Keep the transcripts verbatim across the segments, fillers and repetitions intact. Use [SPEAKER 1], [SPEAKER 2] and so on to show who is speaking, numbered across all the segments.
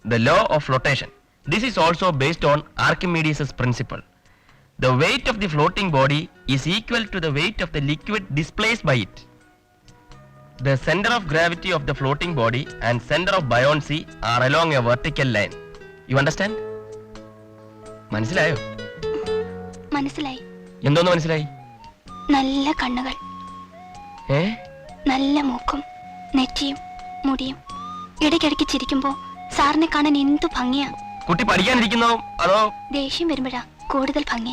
[SPEAKER 1] the law of flotation. This is also based on Archimedes' principle. The weight of the floating body is equal to the weight of the liquid displaced by it. The center of gravity of the floating body and center of buoyancy are along a vertical line. You understand? മനസ്സിലായോ?
[SPEAKER 2] മനസ്സിലായി.
[SPEAKER 1] എന്തോന്ന് മനസ്സിലായി?
[SPEAKER 2] നല്ല കണ്ണുകൾ,
[SPEAKER 1] ഏ
[SPEAKER 2] നല്ല മൂക്കും നെറ്റിയും മുടിയും. ഇടയ്ക്കിടയ്ക്ക് ചിരിക്കുമ്പോ സാറിനെ കാണാൻ എന്തു ഭംഗിയാ.
[SPEAKER 1] കുട്ടി പഠിക്കാനിരിക്കുന്നോ അതോ
[SPEAKER 2] ദേഷ്യം വരുമ്പോഴാ കൂടുതൽ ഭംഗി.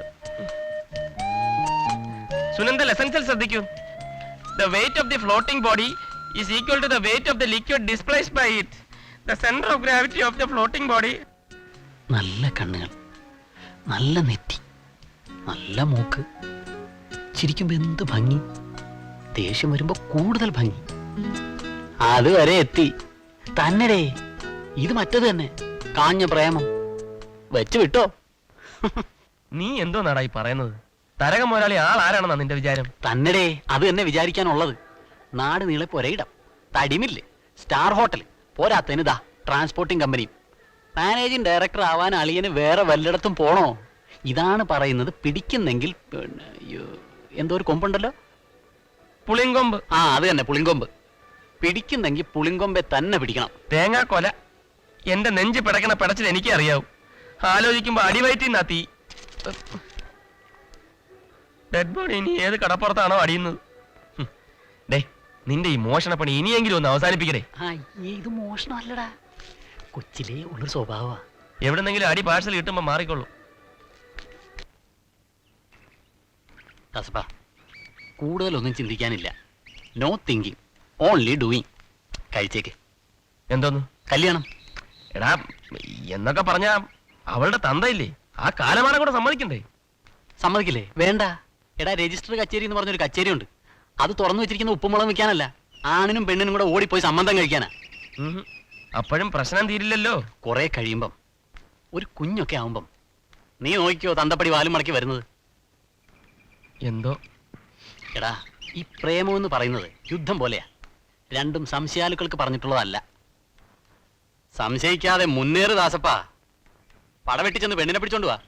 [SPEAKER 1] സുനന്ദ ലെസൺസിൽ ശ്രദ്ധിക്കൂ. The weight of the floating body is equal to the weight of the liquid displaced by it. The center of gravity of the floating body.
[SPEAKER 3] നല്ല കണ്ണുകൾ, നല്ല നെറ്റി, നല്ല മൂക്ക്, ചിരിക്കുമ്പോ എന്ത് ഭംഗി, ദേഷ്യം വരുമ്പോ കൂടുതൽ ഭംഗി. അതുവരെ എത്തി തന്നെടേ. ഇത് മറ്റത് തന്നെ, കാഞ്ഞ പ്രേമം. വെച്ചു വിട്ടോ.
[SPEAKER 1] നീ എന്തോ നാടായി പറയുന്നത്? തരകം മുതലാളി ആൾ ആരാണെന്നാ നിന്റെ വിചാരം?
[SPEAKER 3] തന്നെടേ, അത് തന്നെ വിചാരിക്കാനുള്ളത്. നാട് നീളെ പൊരയിടം, തടിമില്ലേ, സ്റ്റാർ ഹോട്ടൽ, പോരാത്തതിന് ദാ ട്രാൻസ്പോർട്ടിംഗ് കമ്പനിയും. മാനേജിംഗ് ഡയറക്ടർ ആവാൻ അളിയന് വേറെ വല്ലയിടത്തും പോണോ? ഇതാണ് പറയുന്നത്. പിടിക്കുന്നെങ്കിൽ എന്തോ ഒരു കൊമ്പുണ്ടല്ലോ,
[SPEAKER 1] പുളിങ്കൊമ്പ്.
[SPEAKER 3] ആ അത് തന്നെ, പുളിങ്കൊമ്പ്. പിടിക്കുന്നെങ്കിൽ പുളിങ്കൊമ്പെ തന്നെ പിടിക്കണം.
[SPEAKER 1] തേങ്ങാക്കൊല. എന്റെ നെഞ്ച് പിടക്കണ പിടച്ചിൽ എനിക്ക് അറിയാവൂ. ആലോചിക്കുമ്പോ അടിവയറ്റിന്നാ തീ. ഡെഡ് ബോഡി ഇനി ഏത് കടപ്പുറത്താണോ അടിയുന്നത്? ഡേ, നിന്റെ ഈ മോഷണ പണി ഇനിയെങ്കിലും ഒന്ന് അവസാനിപ്പിക്കടേ.
[SPEAKER 3] ഇത് മോഷണമല്ലടാ, കൊച്ചിലേ ഉള്ളൊരു സ്വഭാവ.
[SPEAKER 1] എവിടെന്നെങ്കിലും അടി പാഴ്സൽ കിട്ടുമ്പോ മാറിക്കൊള്ളു.
[SPEAKER 3] കൂടുതലൊന്നും ചിന്തിക്കാനില്ല. No thinking, only doing. കഴിച്ചേക്ക്.
[SPEAKER 1] എന്തോന്നു?
[SPEAKER 3] കല്യാണം.
[SPEAKER 1] എടാ, എന്നൊക്കെ പറഞ്ഞ അവളുടെ തന്തയില്ലേ, ആ കാലമാനം കൂടെ സമ്മതിക്കണ്ടേ?
[SPEAKER 3] സമ്മതിക്കില്ലേ? വേണ്ട. എടാ, രജിസ്റ്റർ കച്ചേരി എന്ന് പറഞ്ഞൊരു കച്ചേരി ഉണ്ട്. അത് തുറന്നു വെച്ചിരിക്കുന്ന ഉപ്പുമുളക് വെക്കാനല്ല, ആണിനും പെണ്ണിനും കൂടെ ഓടിപ്പോയി സംബന്ധം കഴിക്കാനാ.
[SPEAKER 1] അപ്പോഴും പ്രശ്നം തീരില്ലല്ലോ.
[SPEAKER 3] കുറെ കഴിയുമ്പം, ഒരു കുഞ്ഞൊക്കെ ആവുമ്പം നീ നോക്കിയോ തന്തപ്പടി വാലും മടക്കി വരുന്നത്.
[SPEAKER 1] എന്തോ
[SPEAKER 3] എടാ, ഈ പ്രേമം എന്ന് പറയുന്നത് യുദ്ധം പോലെയാ. രണ്ടും സംശയാലുക്കൾക്ക് പറഞ്ഞിട്ടുള്ളതല്ല. സംശയിക്കാതെ മുന്നേറ് ദാസപ്പാ. പടവെട്ടിച്ചെന്ന് പെണ്ണിനെ പിടിച്ചോണ്ട് വാ.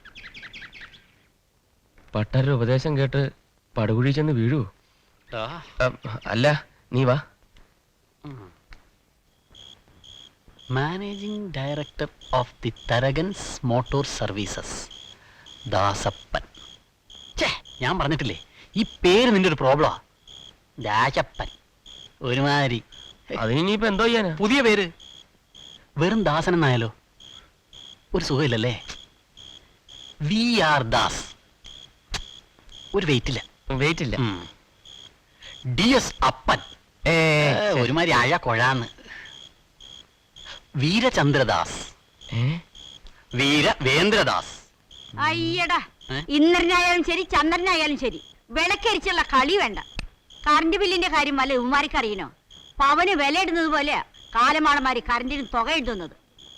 [SPEAKER 1] പട്ടരുടെ ഉപദേശം കേട്ട് പടുകുഴി ചെന്ന് വീഴൂ. അല്ല, നീ വാ.
[SPEAKER 3] Managing director of the Tharakans motor services, Dasappan. ഞാൻ പറഞ്ഞിട്ടില്ലേ, ഈ പേര് നിന്റെ ഒരു പ്രോബ്ലമാ. ദാസപ്പൻ ഒരുമാതിരി.
[SPEAKER 1] അതിനിപ്പോ എന്തോ ചെയ്യാനാ?
[SPEAKER 3] പുതിയ പേര്. വെറും ദാസൻ എന്നായാലോ? ഒരു സുഖമില്ലല്ലേ? V R Das. ഒരു വെയിറ്റ് ഇല്ല.
[SPEAKER 1] വെയിറ്റ് ഇല്ല.
[SPEAKER 3] ഡി എസ് അപ്പൻ ഒരുമാതിരി അഴ കൊഴാന്ന്. വീരചന്ദ്രദാസ്, വീരവേന്ദ്രദാസ്.
[SPEAKER 4] അയ്യടാ, ഇന്ദ്രനായാലും ശരി ചന്ദ്രനായാലും ശരി വിളക്കരിച്ചുള്ള കളി വേണ്ട. കറണ്ട് ബില്ലിന്റെ കാര്യം വല്ല ഉമ്മാരിക്ക് അറിയണോ? പവന് വില ഇടുന്നത് പോലെയാ കാലമാണന്മാര് കറണ്ടിന് തുക എഴുതുന്നത്.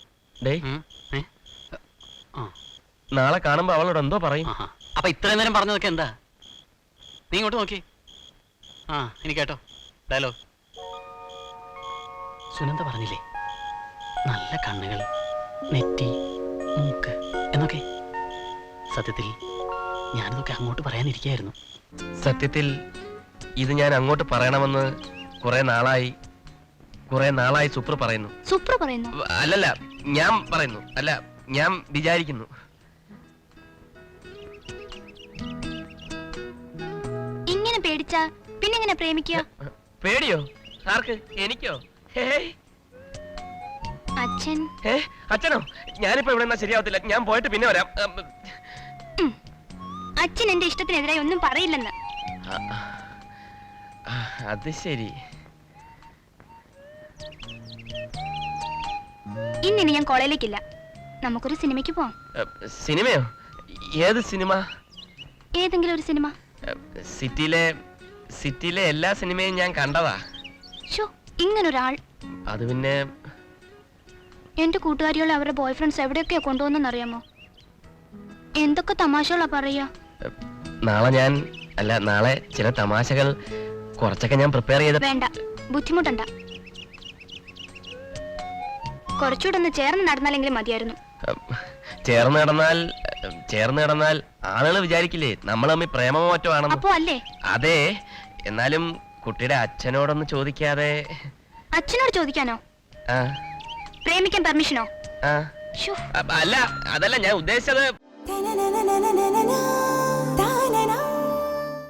[SPEAKER 1] നാളെ കാണുമ്പോ അവളോട് എന്തോ പറയും.
[SPEAKER 3] അപ്പൊ ഇത്രയും നേരം പറഞ്ഞതൊക്കെ എന്താ? നീ ഇങ്ങോട്ട് നോക്കി. ആ, എനിക്ക് കേട്ടോ ഡയലോഗ്. സുനന്ദ പറഞ്ഞില്ലേ, നല്ല കണ്ണുകൾ, നെറ്റി, മൂക്ക് എന്നൊക്കെ. സത്യത്തിൽ ഞാനിതൊക്കെ അങ്ങോട്ട് പറയാനിരിക്കായിരുന്നു.
[SPEAKER 1] സത്യത്തിൽ ഇത് ഞാൻ അങ്ങോട്ട് പറയണമെന്ന് കുറെ നാളായി കുറെ നാളായി സുപ്ര പറയുന്നു.
[SPEAKER 2] സുപ്ര പറയുന്നു?
[SPEAKER 1] അല്ലല്ല, ഞാൻ പറയുന്നു. അല്ല, ഞാൻ വിചാരിക്കുന്നു.
[SPEAKER 2] ഇങ്ങനെ പേടിച്ചാ പിന്നെ എങ്ങനെ പ്രേമിക്കുക?
[SPEAKER 1] പേടിയോ? ആർക്ക്? എനിക്കോ?
[SPEAKER 2] അച്ഛൻ.
[SPEAKER 1] അച്ഛനോ? ഞാനിപ്പോ ഇവിടെ ശരിയാവത്തില്ല. ഞാൻ പോയിട്ട് പിന്നെ വരാം.
[SPEAKER 2] അച്ഛൻ എന്റെ ഇഷ്ടത്തിനെതിരായി ഒന്നും പറയില്ലെന്ന്.
[SPEAKER 1] അത് ശരി.
[SPEAKER 2] ഇന്നിനി ഞാൻ കോളേജിലേക്കില്ല. നമുക്കൊരു സിനിമയ്ക്ക് പോവാം.
[SPEAKER 1] സിനിമയോ? ഏത് സിനിമ?
[SPEAKER 2] ഏതെങ്കിലും ഒരു സിനിമ.
[SPEAKER 1] സിറ്റിയിലെ സിറ്റിയിലെ എല്ലാ സിനിമയും ഞാൻ കണ്ടതാ.
[SPEAKER 2] ഇങ്ങനൊരാൾ.
[SPEAKER 1] അത് പിന്നെ
[SPEAKER 2] എന്റെ കൂട്ടുകാരികളെ അവരുടെ ബോയ് ഫ്രണ്ട്സ് എവിടെയൊക്കെയാ കൊണ്ടുപോകുന്നറിയാമോ? എന്തൊക്കെ തമാശകളാ പറയാ.
[SPEAKER 1] നാളെ ഞാൻ അല്ല നാളെ ചില തമാശകൾ കുറച്ചൊക്കെ ഞാൻ പ്രിപ്പയർ ചെയ്ത.
[SPEAKER 2] വേണ്ട, ബുദ്ധിമുട്ടണ്ട. കുറച്ചുകൂടെ ഒന്ന് ചേർന്ന് നടന്നാലെങ്കിലും മതിയായിരുന്നു.
[SPEAKER 1] ഉം, ചേർന്ന് നടന്നാൽ ഉം, ചേർന്ന് നടന്നാൽ ആളുകൾ വിചാരിക്കില്ലേ നമ്മൾ തമ്മിൽ പ്രേമമോ മറ്റോ ആണെന്ന്.
[SPEAKER 2] അപ്പോ അല്ലേ?
[SPEAKER 1] അതെ, എന്നാലും കുട്ടിയുടെ അച്ഛനോടൊന്ന് ചോദിക്കാതെ.
[SPEAKER 2] അച്ഛനോട് ചോദിക്കാനോ?
[SPEAKER 1] ആ,
[SPEAKER 2] പ്രേമിക്കാൻ പെർമിഷനോ?
[SPEAKER 1] ആ.
[SPEAKER 2] ശ്ശോ.
[SPEAKER 1] അ- അല്ല, അതല്ല ഞാൻ ഉദ്ദേശിച്ചത്.